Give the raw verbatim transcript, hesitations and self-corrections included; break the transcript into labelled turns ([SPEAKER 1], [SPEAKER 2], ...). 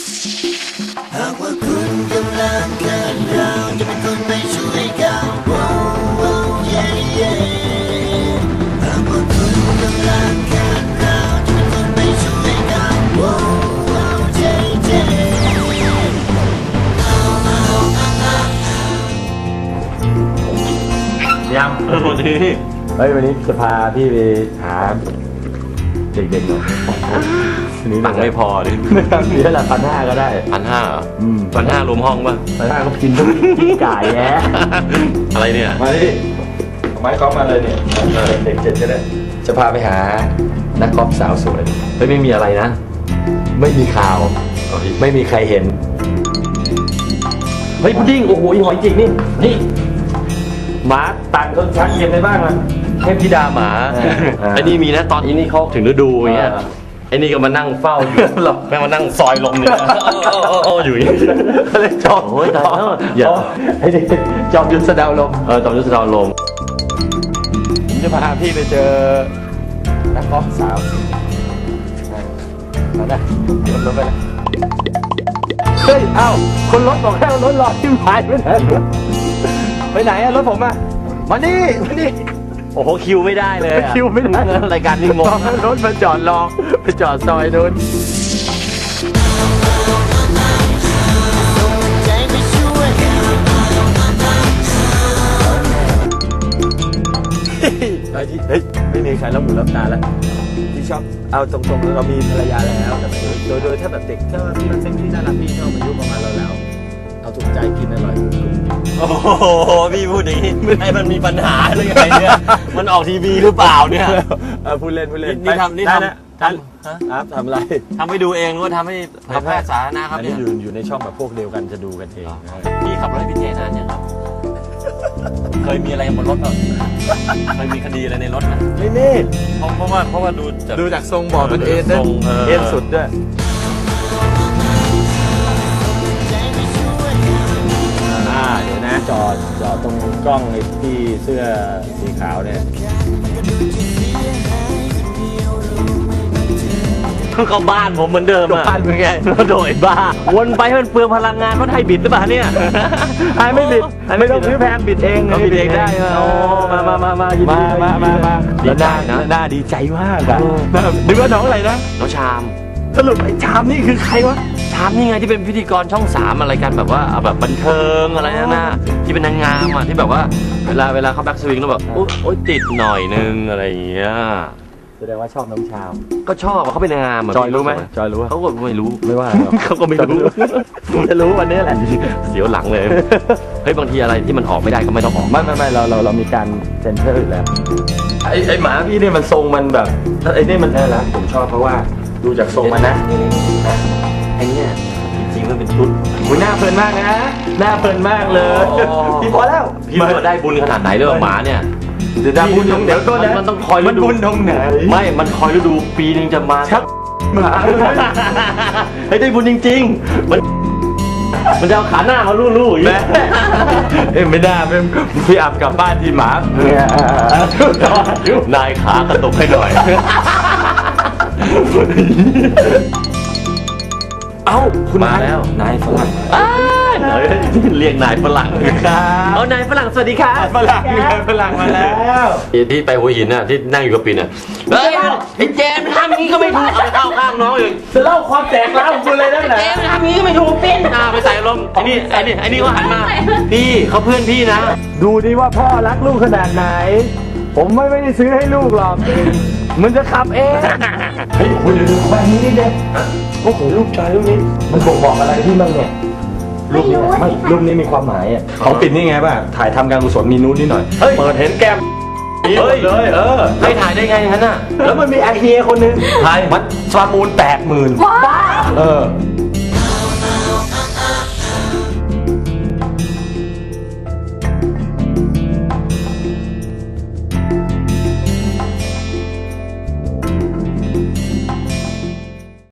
[SPEAKER 1] หากว่าคุณกำลังเกินเราจะเป็นคนไม่ช่วยกันหากว่าคุณกำลังเกินเราจะเป็นคนไม่ช่วยกัน
[SPEAKER 2] ยังวันนี้เฮ้ยวันนี้จะพาพี่ไปหาเด็กๆหน่อย
[SPEAKER 3] ตังค์ไม่พอดิ
[SPEAKER 2] มีเท่าไหร่พันห้าก็ได้
[SPEAKER 3] พันห้าเหรอพันห้ารวมห้องป่ะ
[SPEAKER 2] พันห้าก็กินทุกกินไก่แย่
[SPEAKER 3] อะไรเนี่ย
[SPEAKER 2] มาดิไม้กอล์ฟมาเลยเนี่ยเด็กเจ็ดก็ได้จะพาไปหานักกอล์ฟสาวสวยเฮ้ยไม่มีอะไรนะไม่มีข่าวไม่มีใครเห็นเฮ้ยพุดดิ้งโอ้โหหอยจริงนี่นี่หมาต่างคนชักเย็นได้บ้างมั้ย
[SPEAKER 3] เทพธิดาหมาไอ้นี่มีนะตอนนี้เขาถึงฤดูอย่างเงี้ยไอ้นี่ก็มานั่งเฝ้าอยู่แม่มานั่งซอยลมเนี่ยโอ้อยู่อย่างนี้เลยจอมโอ้ยตายแล้วอย่า
[SPEAKER 2] ไอ้นี่จอมยุทธสดาวลม
[SPEAKER 3] เออจอมยุทธสดาวลม
[SPEAKER 2] ผมจะพาพี่ไปเจอนักกอล์ฟสาวมาได้ขึ้นรถไปเลยเฮ้ยเอ้าคนรถบอกให้รถรอที่หายไปไหนไปไหนอะรถผมอะมานี่มานี่
[SPEAKER 3] โอ้โหคิวไม่ได้เลย
[SPEAKER 2] คิวไม่ได้
[SPEAKER 3] รายการนี้งง
[SPEAKER 2] รถมาจอดรอไปจอดซอยนู้นเฮ้ยไม่มีใครรับหูรับตาแล้วที่ชอบเอาตรงๆเรามีภรรยาแล้วแต่โดยโดยถ้าแบบเด็กถ้าพี่มันเซ็กซี่น่ารักพี่ชอบอายุประมาณเราแล้วเอาถูกใจกินอร่อย
[SPEAKER 3] โอ้โหพี่พูดอย่างนี้ไอ้มันมีปัญหาอะไรไงเนี่ยมันออกทีวีหรือเปล่าเนี่ย
[SPEAKER 2] พูดเล่นพูดเล่น
[SPEAKER 3] นี่ทำนี่ทำ
[SPEAKER 2] ทำทำอะไร
[SPEAKER 3] ทำให้ดูเองหรือว่าทำให้เผยแพร่สาธารณะครับ
[SPEAKER 2] นี่อยู่อยู่ในช่องแบบพวกเดียวกันจะดูกันเอง
[SPEAKER 3] พี่ขับรถพี่เจนานยังครับเคยมีอะไรบนรถเหรอเคยมีคดีอะไรในรถไหม
[SPEAKER 2] ไม่มี
[SPEAKER 3] เพราะว่าเพราะว่าดูจาก
[SPEAKER 2] ดูจากทรงบ่อมันเอ็นด้วยเอ็นสุดด้วยเดี๋ยวนะจอดจอดตรงกล้องไอ้ที่เสื้อสีขาวเนี่ย
[SPEAKER 3] ก็บ้านผมเหมือนเดิมอ่ะ
[SPEAKER 2] บ้านเป็นไง
[SPEAKER 3] โดยบ้าวนไปให้มันเปลืองพลังงานเพราะไทยบิดหรือเปล่าเนี่ย
[SPEAKER 2] ไทยไม่บิดไม่ต้องซื้อแพงบิดเอง
[SPEAKER 3] บิดเองได้
[SPEAKER 2] โอ้มามามามามามามามา
[SPEAKER 3] ดีใจนะ
[SPEAKER 2] น่าดีใจมากอ่ะนึกว่าน้องอะไรนะ
[SPEAKER 3] น้องชาม
[SPEAKER 2] สรุปไอ้ชามนี่คือใครวะ
[SPEAKER 3] ชามนี่ไงที่เป็นพิธีกรช่องสามอะไรกันแบบว่าแบบบันเทิงอะไรนะนะที่เป็นนางงามอ่ะที่แบบว่าเวลาเวลาเขาแบ็กสวิงแล้วแบบโอ๊ยติดหน่อยนึงอะไรอย่างเงี้ย
[SPEAKER 2] แสดงว่าชอบน้องชาม
[SPEAKER 3] ก็ชอบเขาเป็นนางงาม
[SPEAKER 2] จอยรู้ไหมจอยรู้
[SPEAKER 3] เขาก็ไม่รู้
[SPEAKER 2] ไม่ว่า
[SPEAKER 3] เขาก็ไม่รู้
[SPEAKER 2] จะรู้วันนี้แหละ
[SPEAKER 3] เสียวหลังเลยเฮ้ยบางทีอะไรที่มันออกไม่ได้ก็ไม่ต้องออก
[SPEAKER 2] ไม่ไม่ไม่เราเราเรามีการเซ็นเซอร์อยู่แล้วไอ้ไอ้หมาพี่เนี่ยมันทรงมันแบบไอ้นี่มันแน่ละผมชอบเพราะว่าดูจากทรงมันนะ
[SPEAKER 3] ไอ้นี่จริงๆมันเป็นชุด
[SPEAKER 2] อุ้ยหน้าเพลินมากนะหน้าเพลินมากเลยพี่พอแล้ว
[SPEAKER 3] พี่ว่าได้บุญขนาดไหนด้วยหมาเนี่ย
[SPEAKER 2] เดี๋ยวได้บุญตรงเดี๋ยวก็
[SPEAKER 3] มันต้องคอยฤดู
[SPEAKER 2] มันบุญตรงไหน
[SPEAKER 3] ไม่มันคอยฤดูปีนึงจะมา
[SPEAKER 2] ชักหมา
[SPEAKER 3] เฮ้ยได้บุญจริงๆมันมันจะเอาขาหน้ามาลู่ๆอย่างนี้
[SPEAKER 2] เอ้ยไม่ได้เป็นพี่อับกลับบ้านที่หมาน
[SPEAKER 3] ายขากระตุกให้หน่อย
[SPEAKER 2] เอ้าคุณ
[SPEAKER 3] มาแล้ว
[SPEAKER 2] นายฝรั่ง
[SPEAKER 3] เรียกนายฝรั่งครับเอานายฝรั่งสวัสดีค่ะ
[SPEAKER 2] ฝรั่งนายฝรั่งมาแล้ว
[SPEAKER 3] ที่ไปหัวหินน่ะที่นั่งอยู่กับปิ่นน่ะเฮ้ยไอ้เจมทำงี้ก็ไม่ถูกเอาไปเข้าข้างน้องอีก
[SPEAKER 2] จะเล่าความแตกร้าวของคุณเลยนั่นแหละ
[SPEAKER 3] เจมทำงี้ก็ไม่ถูกปิ่นอ่าไปใส่ลมไอ้นี่ไอ้นี่ไอ้นี่ก็หันมาพี่เขาเพื่อนพี่นะ
[SPEAKER 2] ดูดิว่าพ่อรักลูกขนาดไหนผมไม่ไม่ได้ซื้อให้ลูกหรอกมันจะขับเองเฮ้ยคุณดูแบบนี้นิดเดียวโอ้โหลูกชายลูกนี้มันบ่งบอกอะไรที่มันเนี่ยรูปนี้ไม่รูปนี้มีความหมายอ่ะของปิ่นนี่ไงป่ะถ่ายทำการกุศลมีนู้นนิดหน่อยเปิดเห็นแก้ม
[SPEAKER 3] เฮ้ย
[SPEAKER 2] เลยเออ
[SPEAKER 3] ให้ถ่ายได้ไงฮะน่ะ
[SPEAKER 2] แล้วมันมีไอเฮียคนนึงถ่ายมันประมูลแปดหมื่นบ้าเออ